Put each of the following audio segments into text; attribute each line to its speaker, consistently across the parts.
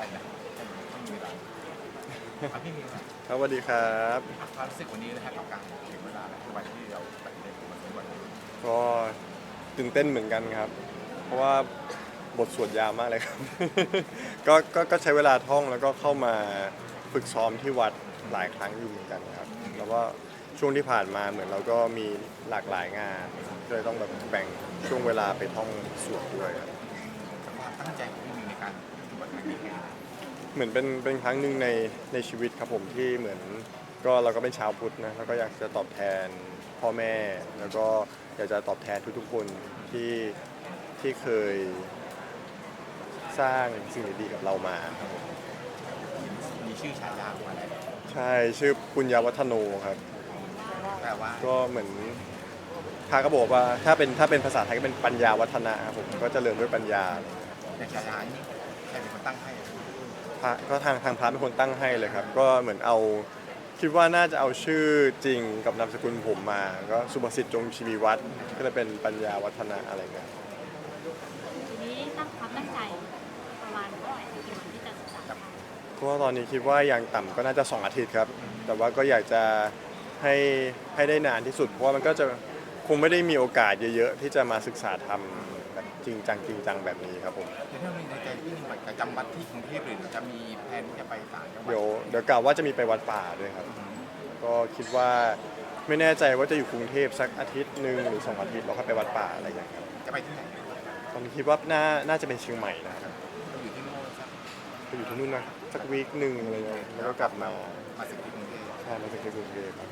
Speaker 1: นะไม่มีเวลาพี่มีครับ
Speaker 2: ครับสวัสดีครับ
Speaker 1: ความรู้สึกวันนี้นะครับกับการถึงเวลาแล้ววันที่เราตัดสินใจมาถึงวันนี้
Speaker 2: ก็ตื่นเต้นเหมือนกันครับเพราะว่าบทสวดยาวมากเลยครับก็ใช้เวลาท่องแล้วก็เข้ามาฝึกซ้อมที่วัดหลายครั้งอยู่เหมือนกันครับแล้วก็ช่วงที่ผ่านมาเหมือนเราก็มีหลากหลายงานก็เลยต้องแบบแบ่งช่วงเวลาไปท่องสวดด้วยครับ
Speaker 1: ความตั้งใจของพี่มีในการปฏิบัติครั้งนี้
Speaker 2: เหมือนเป็นครั้งหนึ่งในชีวิตครับผมที่เหมือนก็เราก็เป็นชาวพุทธนะแล้วก็อยากจะตอบแทนพ่อแม่แล้วก็อยากจะตอบแทนทุกๆคนที่เคยสร้างสิ่งดีๆกับเรามาครับผม
Speaker 1: มีชื่อฉายาของอะไร
Speaker 2: ใช่ชื่อปุญญาวัฒโนครับ
Speaker 1: แปลว่า
Speaker 2: ก็เหมือนพระก็บอกว่าถ้าเป็นภาษาไทยก็เป็นปัญญาวัฒนะครับผมก็เจริญด้วยปัญญา
Speaker 1: ในฉายานี้ใครเป็นคนตั้งให้
Speaker 2: พระก็ทางพระเป็นคนตั้งให้เลยครับก็เหมือนเอาคิดว่าน่าจะเอาชื่อจริงกับนามสกุลผมมาก็สุภสิทธิ์จงชีวีวัฒน์ก็เลยเป็นปัญญาวัฒนะอะไรเงี้ย
Speaker 3: ทีนี้ตั้งความตั้งใจประมาณเท่าไหร่กี่วันที่จะศึกษาธรรม
Speaker 2: ก็ตอนนี้คิดว่าอย่างต่ำก็น่าจะ2 อาทิตย์ครับแต่ว่าก็อยากจะให้ได้นานที่สุดเพราะว่ามันก็จะคงไม่ได้มีโอกาสเยอะๆที่จะมาศึกษาธรรมแบบจริงจังแบบนี้ครับผม
Speaker 1: แต่ถ้ามีในใจที่มีจะจำวัดที่กรุงเทพหรือจะมีแผนที่จะไปต่างจังหวัด
Speaker 2: เดี๋ยวกล่าวว่าจะมีไปวัดป่าด้วยครับก็คิดว่าไม่แน่ใจว่าจะอยู่กรุงเทพสักอาทิตย์หนึ่งหรือ2 อาทิตย์แล้วค่อยไปวัดป่าอะไรอย่างเงี้ยครับ
Speaker 1: จะไปที่ไหน
Speaker 2: ตอนนี้คิดว่าน่าจะเป็นเชียงใหม่นะครับ
Speaker 1: อยู่ที่โน่นครับ
Speaker 2: ไปอยู่ที่นู่นนะสักวีคหนึ่งอะไรเงี้ยแล้วก็กลับมา
Speaker 1: มาสึกที่กรุงเทพ
Speaker 2: ใช่มาจากที่กรุงเทพครับ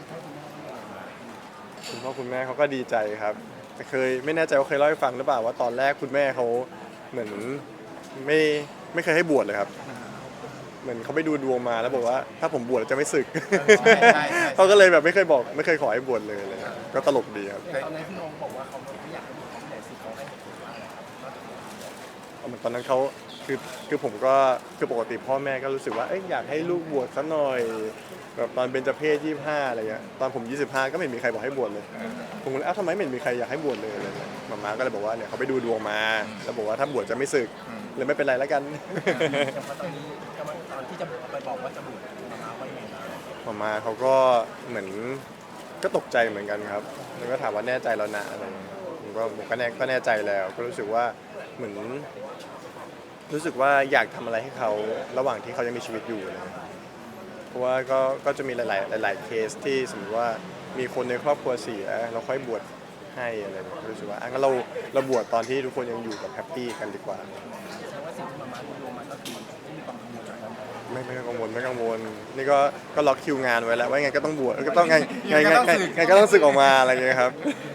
Speaker 2: คุณพ่อคุณแม่เขาก็ดีใจครับแต่ไม่แน่ใจว่าเคยเล่าให้ฟังหรือเปล่าว่าตอนแรกคุณแม่เขาเหมือนไม่ไม่เคยให้บวชเลยครับเหมือนเขาไปดูดวงมาแล้วบอกว่าถ้าผมบวชจะไม่สึกเขาก็เลยแบบไม่เคยขอให้บวชเลยก็ตลกดีครับ
Speaker 1: ตอนนั้นพี่องค์บอกว่าเขาไม่อยากให้บวชเขาไม่อยากสึกเขาให้เหตุผลว่าอะไรครับ
Speaker 2: เหมือนตอนนั้นเขาคือผมก็คือปกติพ่อแม่ก็รู้สึกว่าอยากให้ลูกบวชซะหน่อยแบบตอนเบญจเพส25อะไรเงี้ยตอนผม25ก็ไม่มีใครบอกให้บวชเลยผมก็เลยทำไมไม่มีใครอยากให้บวชเลยอะไรเงี้ยมาม่าก็เลยบอกว่าเนี่ยเขาไปดูดวงมาแล้วบอกว่าถ้าบวชจะไม่สึกเลยไม่เป็นไรแล้วกัน
Speaker 1: แต่ว่าตอนนี้ตอนที่จะไปบอกว่าจะบวชมาว่ายังไง
Speaker 2: มาม่าเขาก็เหมือนก็ตกใจเหมือนกันครับแล้วก็ถามว่าแน่ใจแล้วนะอะไรเงี้ยผมก็แน่ใจแล้วก็รู้สึกว่าเหมือนรู้สึกว่าอยากทำอะไรให้เขาระหว่างที่เขายังมีชีวิตอยู่นะเพราะว่าก็จะมีหลายเคสที่สมมติว่ามีคนในครอบครัวเสียเราค่อยบวชให้อะไรแบบรู้สึกว่างั้นเราบวชตอนที่ทุกคนยังอยู่กับแฮปปี้กันดีกว่า
Speaker 1: แสดงว่าสิ่งที่มาดูมันก็คือที่มีความกังวลอะไร
Speaker 2: ไม่กังวลนี่ก็ล็อกคิวงานไว้แล้วว่าไงก็ต้องบวชก็ต้องไงก็ต้องสึกออกมาอะไรอย่างเงี้ยครับ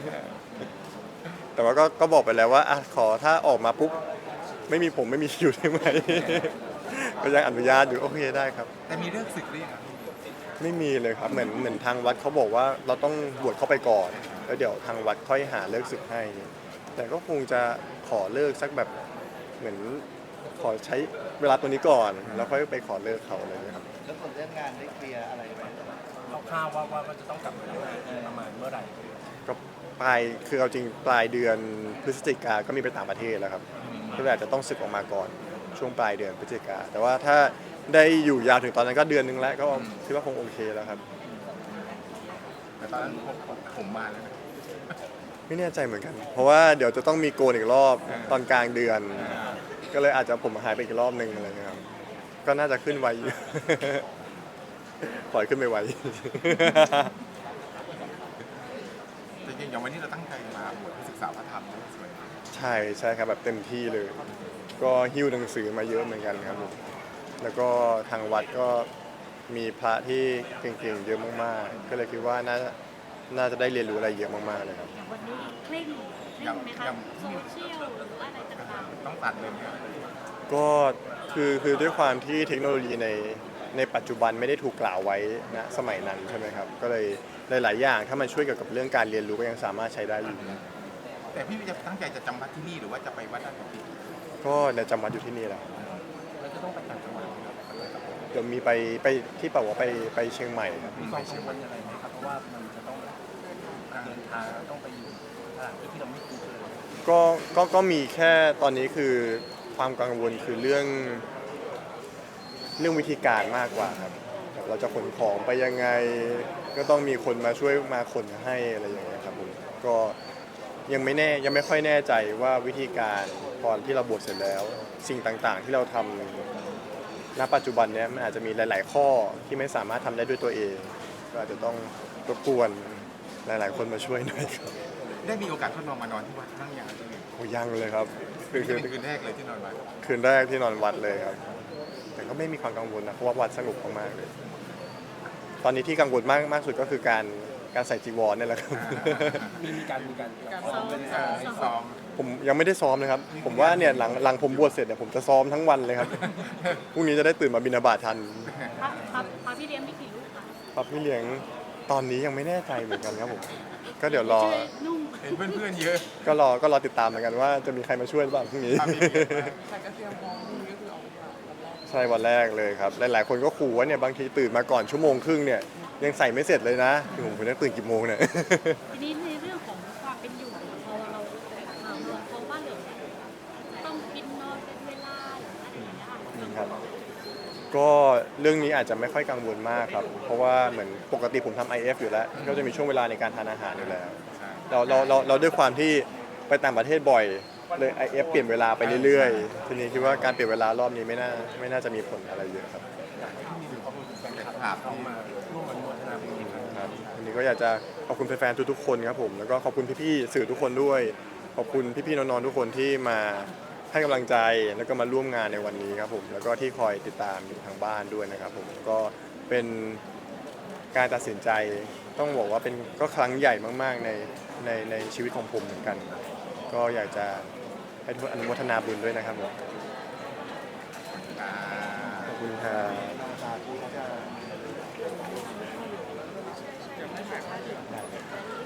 Speaker 2: แต่ว่าก็บอกไปแล้วว่าขอถ้าออกมาปุ๊บไม่มีผมไม่มีคิวได้ไหมก็ยังอนุญาตอยู่โอเคได้ครับ
Speaker 1: แต่มีเรื่องสึกหรือยัง
Speaker 2: ไม่มีเลยครับเหมือนทางวัดเขาบอกว่าเราต้องบวชเข้าไปก่อนแล้วเดี๋ยวทางวัดค่อยหาเลิกศึกให้แต่ก็คงจะขอเลิกสักแบบเหมือนขอใช้เวลาตัวนี้ก่อนแล้วค่อยไปขอเลิกเขาอะไรอย่างเงี้ยครับ
Speaker 1: แล้วส่วนเรื่องงานได้เคลียร์อะไรไหมคร่าวๆว่าจะต้องกลับมาทำงานประมาณเมื่อไหร่
Speaker 2: ก็คือเอาจริงปลายเดือนพฤศจิกาก็มีไปต่างประเทศแล้วครับก็เลยอาจจะต้องศึกออกมาก่อนช่วงปลายเดือนพฤศจิกาแต่ว่าถ้าได้อยู่ยาวถึงตอนนั้นก็เดือนนึงแล้วก็คิดว่าคงโอเคแล้วครับ
Speaker 1: แต่ตอนนั้นผมมาแล้ว
Speaker 2: ไม่แน่ใจเหมือนกันเพราะว่าเดี๋ยวจะต้องมีโกนอีกรอบตอนกลางเดือนก็เลยอาจจะผมหายไปอีกรอบนึงอะไรเงี้ยครับก็น่าจะขึ้นไวปล่อยขึ้นไปไว
Speaker 1: จริงๆอย่างวันนี้เราตั้งใจมาบวชศึกษาพระธรรมสวย
Speaker 2: ใช่ครับแบบเต็มที่เลยก็หิ้วหนังสือมาเยอะเหมือนกันครับผมแล้วก็ทางวัดก็มีพระที่เก่งๆเยอะมากๆก็เลยคิดว่าน่าจะได้เรียนรู้อะไรเยอะมากๆเลยครับ
Speaker 3: อย่างวันนี้เคร่งไหมคะโซเชียลหรือว่าอะไรต่าง
Speaker 1: ต้องตัดเลย
Speaker 2: ก็คือด้วยความที่เทคโนโลยีในปัจจุบันไม่ได้ถูกกล่าวไว้ณสมัยนั้นใช่ไหมครับก็เลยหลายๆอย่างถ้ามันช่วยเกี่ยวกับเรื่องการเรียนรู้ก็ยังสามารถใช้ได้อยู่
Speaker 1: แต่พี่จะตั้งใจจะจำวัดที่นี่หรือว่าจะไปวัดอื่น
Speaker 2: ก็เนี่ยจำวัดอยู่ที่นี่แหละ
Speaker 1: แล้วจะต้องไปต่างจังหวัด
Speaker 2: เดี๋ยวมีไปที่เป่าว่าไปเชียงใหม่ครับ
Speaker 1: มีความกังวลอะไรไหมครับเพราะว่ามันจะต้องเดินทางต้องไปอยู่สถานที่ที่เราไม่คุ้นเคย
Speaker 2: ก็มีแค่ตอนนี้คือความกังวลคือเรื่องเรื่องวิธีการมากกว่าครับแบบเราจะขนของไปยังไง ก็ต้องมีคนมาช่วยมาขนให้อะไรอย่างเงี้ยครับผมก็ยังไม่ค่อยแน่ใจว่าวิธีการตอนที่เราบวชเสร็จแล้ว สิ่งต่างๆ ที่เราทำณปัจจุบันเนี้ยมันอาจจะมีหลาย ๆ ข้อที่ไม่สามารถทำได้ด้วยตัวเอง ก็อาจจะต้องรบกวนหลาย ๆ คนมาช่วยหน่อยครับ
Speaker 4: ได้มีโอกาสทดลองมานอนที่วัดบ้างยังที่นี่
Speaker 2: โอ้ยังเลยครับ
Speaker 4: เป็นคืนแรกเลยที่นอนวัด
Speaker 2: คืนแรกที่นอนวัดเลยครับ แต่ก็ไม่มีความกังวลนะเพราะว่าวัดสงบมากๆเลย ตอนนี้ที่กังวลมากสุดก็คือการใส่จีวรนี่แหละครับ
Speaker 1: มีการ
Speaker 3: ซ้อม
Speaker 4: ซ้อม
Speaker 2: ผมยังไม่ได้ซ้อมนะครับ ผมว่าเนี่ยหลังผมบวชเสร็จเนี่ยผมจะซ้อมทั้งวันเลยครับ พรุ่งนี้จะได้ตื่นมาบิณฑบาตทัน
Speaker 3: พระพี่เลี้ยงมีกี่ลูกคะ
Speaker 2: ครับพี่เลี้ยงตอนนี้ยังไม่แน่ใจเหมือนกันครับผม ก็เดี๋ยวรอ
Speaker 3: ช่วยนุ่ง
Speaker 4: เห็นเพื่อนๆเยอะ
Speaker 2: ก็รอติดตามเหมือนกันว่าจะมีใครมาช่วยหรือเปล่าพรุ่งนี้
Speaker 4: ครับพี่เลี้ยงมาก
Speaker 5: แต่ก็เตรียมพร้อมพรุ่งนี้ก็คือเอาวันแรก
Speaker 2: ใช่วันแรกเลยครับ หลายๆคนก็ขู่ว่าเนี่ยบางทีตื่นมาก่อนชั่วโมงครึ่งเนี่ยยังใส่ไม่เสร็จเลยนะคือผมต้องตื่นกี่โมงเนี่ย
Speaker 3: ทีนี้ในเรื่องของความเป็นอยู่พอเราเพราะว่าเหลือต้องกินนอนเป็นเวลาหรืออะไรอย่างเงี้ยค่ะ
Speaker 2: ครับก็เรื่องนี้อาจจะไม่ค่อยกังวลมากครับ เพราะว่าเหมือนปกติผมทำ IF อยู่แล้ว ก็จะมีช่วงเวลาในการทานอาหารอยู่แล้ว
Speaker 4: ใช่
Speaker 2: เราด้วยความที่ไปต่างประเทศบ่อยเลย IF เปลี่ยนเวลาไปเรื่อยๆ ทีนี้คิดว่าการเปลี่ยนเวลารอบนี้ไม่น่าจะมีผลอะไรเยอะครับ
Speaker 4: เป็นภาพ
Speaker 1: เข้า
Speaker 4: ที่
Speaker 1: มาร่วมอนุโมทนาบุญครับ
Speaker 2: ครับวันนี้ก็อยากจะขอบคุณแฟนๆทุกๆคนครับผมแล้วก็ขอบคุณพี่ๆสื่อทุกคนด้วย ขอบคุณพี่ๆน้องๆทุกคนที่มาให้กำลังใจแล้วก็มาร่วมงานในวันนี้ครับผมแล้วก็ที่คอยติดตามอยู่ทางบ้านด้วยนะครับผมก็เป็นการตัดสินใจต้องบอกว่าเป็นก็ครั้งใหญ่มากๆในชีวิตของผมเหมือนกัน ก็อยากจะให้ทุกคนอนุโมทนาบุญด้วยนะครับผม
Speaker 4: อ่า
Speaker 2: ขอบคุณครับ